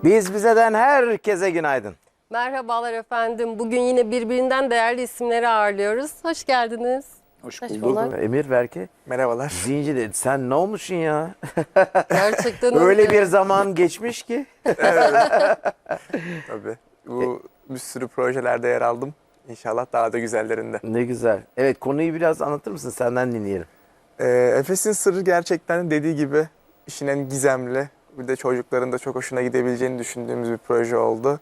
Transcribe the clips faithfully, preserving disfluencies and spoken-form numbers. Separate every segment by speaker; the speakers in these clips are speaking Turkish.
Speaker 1: Biz bizeden herkese günaydın.
Speaker 2: Merhabalar efendim. Bugün yine birbirinden değerli isimleri ağırlıyoruz. Hoş geldiniz.
Speaker 3: Hoş
Speaker 2: Hoş
Speaker 3: bulduk.
Speaker 2: bulduk.
Speaker 1: Emir Berke.
Speaker 3: Merhabalar.
Speaker 1: Zinci dedi. Sen ne olmuşsun ya?
Speaker 2: Gerçekten
Speaker 1: Öyle
Speaker 2: öyle.
Speaker 1: bir zaman geçmiş ki.
Speaker 3: Tabii. Bu bir sürü projelerde yer aldım. İnşallah daha da güzellerinde.
Speaker 1: Ne güzel. Evet, konuyu biraz anlatır mısın? Senden dinleyelim.
Speaker 3: Ee, Efes'in Sırrı gerçekten dediği gibi işin en gizemli, bir de çocukların da çok hoşuna gidebileceğini düşündüğümüz bir proje oldu.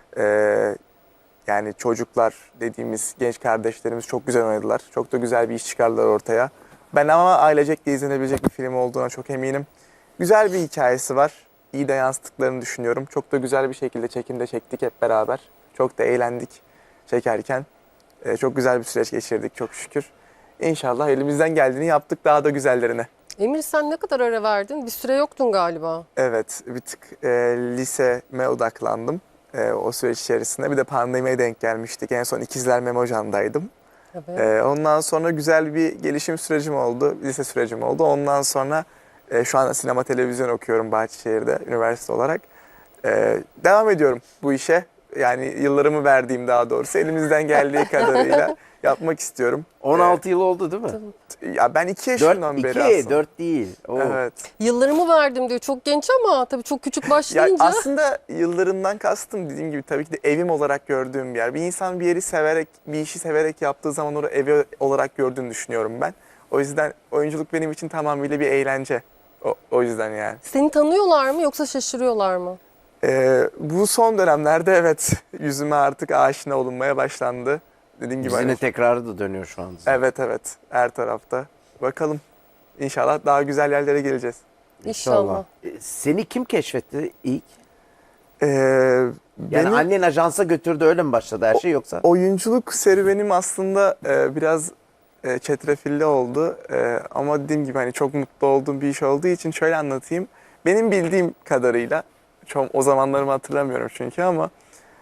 Speaker 3: Ee, yani çocuklar dediğimiz genç kardeşlerimiz çok güzel oynadılar. Çok da güzel bir iş çıkardılar ortaya. Ben ama ailecek de izlenebilecek bir film olduğuna çok eminim. Güzel bir hikayesi var. İyi de yansıttıklarını düşünüyorum. Çok da güzel bir şekilde çekimde çektik hep beraber. Çok da eğlendik çekerken. Ee, çok güzel bir süreç geçirdik çok şükür. İnşallah elimizden geldiğini yaptık daha da güzellerine.
Speaker 2: Emir sen ne kadar ara verdin? Bir süre yoktun galiba.
Speaker 3: Evet, bir tık e, liseme odaklandım e, o süreç içerisinde. Bir de pandemiye denk gelmiştik. En son İkizler Memojan'daydım.
Speaker 2: Evet.
Speaker 3: E, ondan sonra güzel bir gelişim sürecim oldu, lise sürecim oldu. Ondan sonra e, şu anda sinema televizyon okuyorum Bahçeşehir'de üniversite olarak. E, devam ediyorum bu işe. Yani yıllarımı verdiğim daha doğrusu elimizden geldiği kadarıyla yapmak istiyorum.
Speaker 1: on altı yıl oldu değil mi?
Speaker 3: Ya ben iki yaşından
Speaker 1: dört,
Speaker 3: beri
Speaker 1: iki,
Speaker 3: aslında.
Speaker 1: dört değil. Oo.
Speaker 3: Evet.
Speaker 2: Yıllarımı verdim diyor. Çok genç ama tabii çok küçük
Speaker 3: Ya
Speaker 2: başlayınca.
Speaker 3: aslında yıllarından kastım dediğim gibi tabii ki de evim olarak gördüğüm bir yer. Bir insan bir yeri severek, bir işi severek yaptığı zaman onu evi olarak gördüğünü düşünüyorum ben. O yüzden oyunculuk benim için tamamıyla bir eğlence. O, o yüzden yani.
Speaker 2: Seni tanıyorlar mı yoksa şaşırıyorlar mı?
Speaker 3: Ee, bu son dönemlerde evet yüzüme artık aşina olunmaya başlandı. Dediğim gibi
Speaker 1: Yüzüne
Speaker 3: hani,
Speaker 1: tekrarı da dönüyor şu an.
Speaker 3: evet evet her tarafta. Bakalım. İnşallah daha güzel yerlere geleceğiz.
Speaker 2: İnşallah.
Speaker 1: E, Seni kim keşfetti ilk?
Speaker 3: Ee,
Speaker 1: Yani
Speaker 3: benim-
Speaker 1: annen ajansa götürdü, öyle mi başladı her şey yoksa?
Speaker 3: Oyunculuk serüvenim aslında e, biraz e, çetrefilli oldu. E, ama dediğim gibi hani çok mutlu olduğum bir iş olduğu için şöyle anlatayım. Benim bildiğim kadarıyla, çok, o zamanlarımı hatırlamıyorum çünkü ama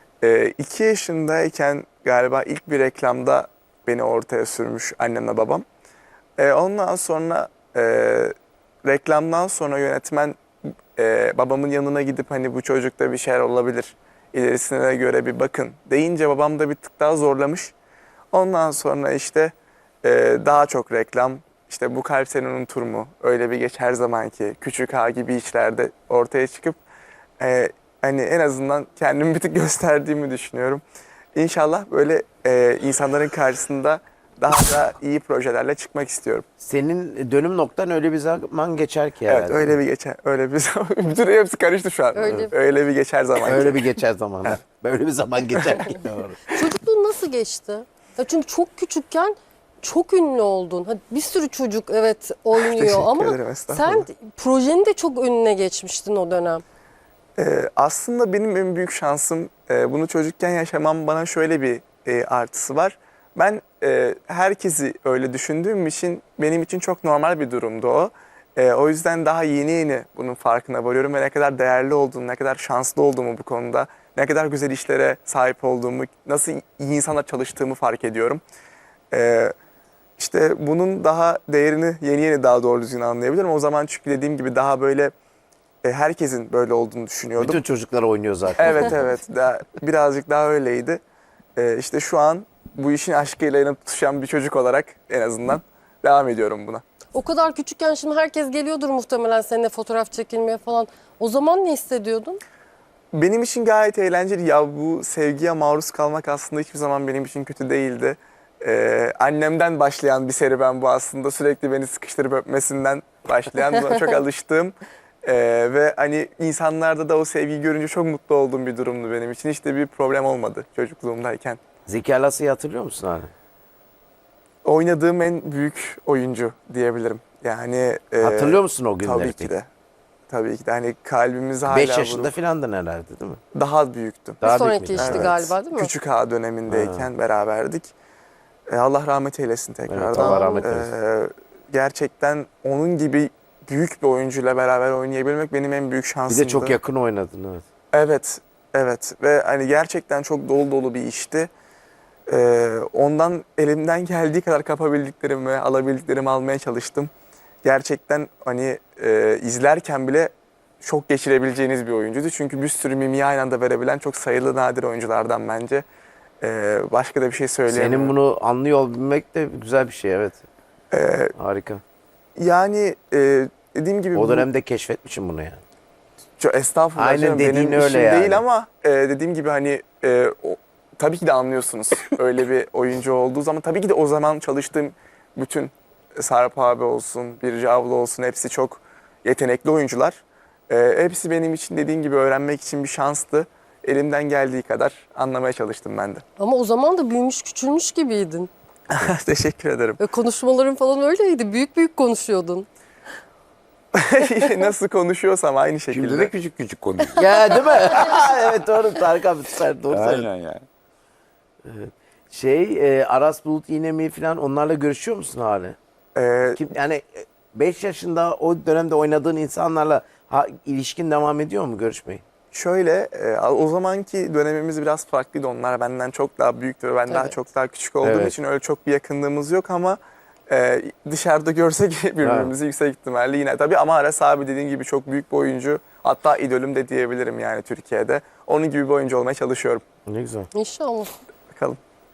Speaker 3: e, iki yaşındayken galiba ilk bir reklamda beni ortaya sürmüş annemle babam. E, ondan sonra e, reklamdan sonra yönetmen e, babamın yanına gidip hani bu çocukta bir şeyler olabilir, ilerisine göre bir bakın deyince babam da bir tık daha zorlamış. Ondan sonra işte e, daha çok reklam, işte bu kalp seni unutur mu, öyle bir geç her zamanki, küçük ağa gibi işlerde ortaya çıkıp e, hani en azından kendimi bir tık gösterdiğimi düşünüyorum. İnşallah böyle e, insanların karşısında daha da iyi projelerle çıkmak istiyorum.
Speaker 1: Senin dönüm noktan öyle bir zaman geçer ki
Speaker 3: Evet,
Speaker 1: herhalde.
Speaker 3: öyle bir geçer, öyle bir zaman. Bütün hepsi karıştı şu an.
Speaker 2: Öyle.
Speaker 3: Öyle bir geçer zaman.
Speaker 1: Öyle bir geçer zaman. Böyle bir zaman geçer ki. Doğru.
Speaker 2: Çocukluğun nasıl geçti? Ya çünkü çok küçükken çok ünlü oldun. Hadi bir sürü çocuk evet oynuyor
Speaker 3: Teşekkür
Speaker 2: ama
Speaker 3: ederim, estağfurullah.
Speaker 2: sen projenin de çok önüne geçmiştin o dönem.
Speaker 3: Ee, aslında benim en büyük şansım e, bunu çocukken yaşamam, bana şöyle bir e, artısı var. Ben e, herkesi öyle düşündüğüm için benim için çok normal bir durumdu o. E, o yüzden daha yeni yeni bunun farkına varıyorum ve ne kadar değerli olduğumu, ne kadar şanslı olduğumu bu konuda, ne kadar güzel işlere sahip olduğumu, nasıl iyi insanlar çalıştığımı fark ediyorum. E, işte bunun daha değerini yeni yeni daha doğru düzgün anlayabilirim. O zaman çünkü dediğim gibi daha böyle e, herkesin böyle olduğunu düşünüyordum.
Speaker 1: Bütün çocuklar oynuyor zaten.
Speaker 3: Evet evet daha, birazcık daha öyleydi. Ee, işte şu an bu işin aşkıyla yanıp tutuşan bir çocuk olarak en azından devam ediyorum buna.
Speaker 2: O kadar küçükken şimdi herkes geliyordur muhtemelen seninle fotoğraf çekilmeye falan. O zaman ne hissediyordun?
Speaker 3: Benim için gayet eğlenceli. Ya bu sevgiye maruz kalmak aslında hiçbir zaman benim için kötü değildi. Ee, annemden başlayan bir serüven bu aslında. Sürekli beni sıkıştırıp öpmesinden başlayan, buna çok alıştığım. Ee, ve hani insanlarda da o sevgiyi görünce çok mutlu olduğum bir durumdu benim için. Hiç de bir problem olmadı çocukluğumdayken.
Speaker 1: Zeki Alasya'yı hatırlıyor musun abi?
Speaker 3: Oynadığım en büyük oyuncu diyebilirim. Yani e,
Speaker 1: Hatırlıyor musun o günleri?
Speaker 3: Tabii ki
Speaker 1: peki?
Speaker 3: de. Tabii ki de. Hani kalbimiz hala
Speaker 1: beş yaşında
Speaker 3: vurup
Speaker 1: filandın herhalde değil mi?
Speaker 3: daha büyüktüm.
Speaker 1: Daha
Speaker 2: Bir
Speaker 1: büyük
Speaker 2: sonraki
Speaker 1: müydün?
Speaker 2: işti
Speaker 3: Evet.
Speaker 2: galiba değil mi?
Speaker 3: Küçük ağa dönemindeyken beraberdik. E, Allah rahmet eylesin tekrardan.
Speaker 1: Evet, Allah rahmet
Speaker 3: E,
Speaker 1: eylesin.
Speaker 3: gerçekten onun gibi büyük bir oyuncuyla beraber oynayabilmek benim en büyük
Speaker 1: Bir
Speaker 3: şansımdı.
Speaker 1: de çok yakın oynadın, evet.
Speaker 3: Evet, evet ve hani gerçekten çok dolu dolu bir işti. Ee, ondan elimden geldiği kadar kapabildiklerimi, alabildiklerimi almaya çalıştım. Gerçekten hani e, izlerken bile şok geçirebileceğiniz bir oyuncuydu. Çünkü bir sürü mimiği aynı anda verebilen çok sayılı nadir oyunculardan bence. Ee, başka da bir şey söyleyemiyorum.
Speaker 1: Senin bunu anlıyor olabilmek de güzel bir şey, evet.
Speaker 3: Ee,
Speaker 1: Harika.
Speaker 3: yani e, dediğim gibi
Speaker 1: O
Speaker 3: bu-
Speaker 1: dönemde keşfetmişim bunu yani.
Speaker 3: Çok estağfurullah
Speaker 1: Aynen
Speaker 3: canım,
Speaker 1: dediğin
Speaker 3: benim
Speaker 1: öyle
Speaker 3: işim
Speaker 1: yani.
Speaker 3: değil ama e, dediğim gibi hani e, o- tabii ki de anlıyorsunuz öyle bir oyuncu olduğu zaman. Tabii ki de o zaman çalıştığım bütün Sarp abi olsun, Birce abla olsun hepsi çok yetenekli oyuncular. E, hepsi benim için dediğin gibi öğrenmek için bir şanstı. Elimden geldiği kadar anlamaya çalıştım ben de.
Speaker 2: Ama o zaman da büyümüş küçülmüş gibiydin.
Speaker 3: Teşekkür ederim.
Speaker 2: Ve konuşmaların falan öyleydi. Büyük büyük konuşuyordun.
Speaker 3: Nasıl konuşuyorsam aynı şekilde.
Speaker 4: Şimdi de küçük küçük konuşuyor.
Speaker 1: Ya değil mi? Evet doğru, Tarık abi süper, doğru söylüyorsun.
Speaker 4: Aynen yani.
Speaker 1: Şey, e, Aras Bulut İğnemi falan, onlarla görüşüyor musun hali?
Speaker 3: E,
Speaker 1: Kim, yani beş yaşında o dönemde oynadığın insanlarla ha, ilişkin devam ediyor mu, görüşmeyi?
Speaker 3: Şöyle, e, o zamanki dönemimiz biraz farklıydı. Onlar benden çok daha büyüktü ve ben daha
Speaker 2: Evet.
Speaker 3: çok daha küçük olduğum
Speaker 1: Evet.
Speaker 3: için öyle çok bir yakınlığımız yok ama e, dışarıda görsek birbirimizi yüksek ihtimalle yine. Tabii ama Aras abi dediğin gibi çok büyük bir oyuncu. Hatta idolüm de diyebilirim yani Türkiye'de. Onun gibi bir oyuncu olmaya çalışıyorum.
Speaker 1: Ne güzel.
Speaker 2: İnşallah.
Speaker 3: Bakalım.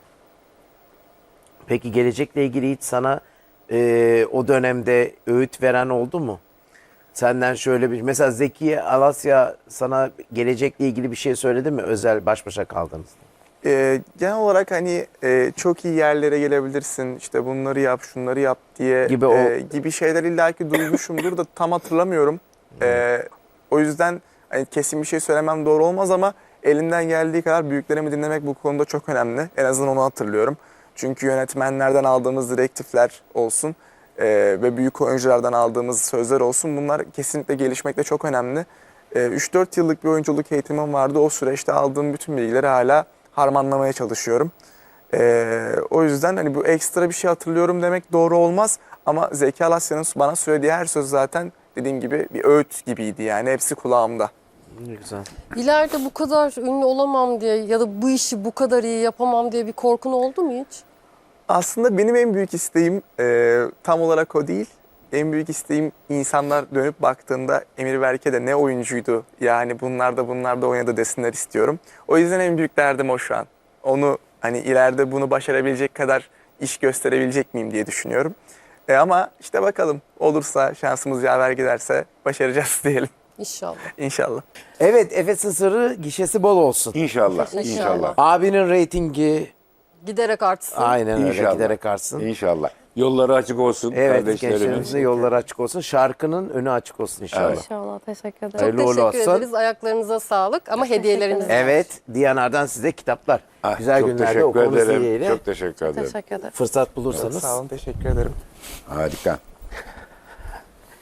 Speaker 1: Peki gelecekle ilgili hiç sana e, o dönemde öğüt veren oldu mu? Senden şöyle bir, mesela Zeki Alasya sana gelecekle ilgili bir şey söyledi mi, özel baş başa kaldığınızda?
Speaker 3: E, genel olarak hani e, çok iyi yerlere gelebilirsin, işte bunları yap, şunları yap diye
Speaker 1: Gibi o-
Speaker 3: e, gibi şeyler illaki duymuşumdur da tam hatırlamıyorum. E, o yüzden hani kesin bir şey söylemem doğru olmaz ama elimden geldiği kadar büyüklerimi dinlemek bu konuda çok önemli. En azından onu hatırlıyorum. Çünkü yönetmenlerden aldığımız direktifler olsun e, ve büyük oyunculardan aldığımız sözler olsun, bunlar kesinlikle gelişmekte çok önemli. E, üç dört yıllık bir oyunculuk eğitimim vardı. O süreçte aldığım bütün bilgileri hala harmanlamaya çalışıyorum. Ee, o yüzden hani bu ekstra bir şey hatırlıyorum demek doğru olmaz. Ama Zeki Alasya'nın bana söylediği her söz zaten dediğim gibi bir öğüt gibiydi yani. Hepsi kulağımda.
Speaker 1: Ne güzel.
Speaker 2: İleride bu kadar ünlü olamam diye ya da bu işi bu kadar iyi yapamam diye bir korkun oldu mu hiç?
Speaker 3: Aslında benim en büyük isteğim e, tam olarak o değil. En büyük isteğim, insanlar dönüp baktığında Emir Berke de ne oyuncuydu. Yani bunlar da bunlar da oynadı desinler istiyorum. O yüzden en büyük derdim o şu an. Onu hani ileride bunu başarabilecek kadar iş gösterebilecek miyim diye düşünüyorum. E ama işte bakalım, olursa, şansımız yaver giderse başaracağız diyelim
Speaker 2: İnşallah.
Speaker 3: İnşallah.
Speaker 1: Evet, Efes'in sırrı gişesi bol olsun.
Speaker 4: İnşallah,
Speaker 2: İnşallah.
Speaker 4: inşallah.
Speaker 1: Abinin reytingi
Speaker 2: Giderek artsın.
Speaker 1: aynen öyle
Speaker 4: İnşallah.
Speaker 1: giderek artsın.
Speaker 4: İnşallah. Yolları açık olsun
Speaker 1: Evet,
Speaker 4: kardeşlerimin.
Speaker 1: gençlerimizin yolları açık olsun. Şarkının önü açık olsun inşallah.
Speaker 4: Evet.
Speaker 5: İnşallah. Teşekkür ederim.
Speaker 1: Hayırlı
Speaker 2: Çok
Speaker 1: uğurlu
Speaker 2: teşekkür
Speaker 1: olsun.
Speaker 2: ederiz. Ayaklarınıza sağlık ama hediyelerimiz var.
Speaker 1: Evet, Diyanar'dan size kitaplar.
Speaker 4: Ah,
Speaker 1: Güzel
Speaker 4: çok
Speaker 1: günlerde
Speaker 4: teşekkür
Speaker 1: okunuz
Speaker 4: ederim.
Speaker 1: dileğiyle.
Speaker 4: Çok teşekkür ederim.
Speaker 5: Teşekkür ederim.
Speaker 1: Fırsat bulursanız.
Speaker 3: Sağ olun, teşekkür ederim.
Speaker 4: Harika.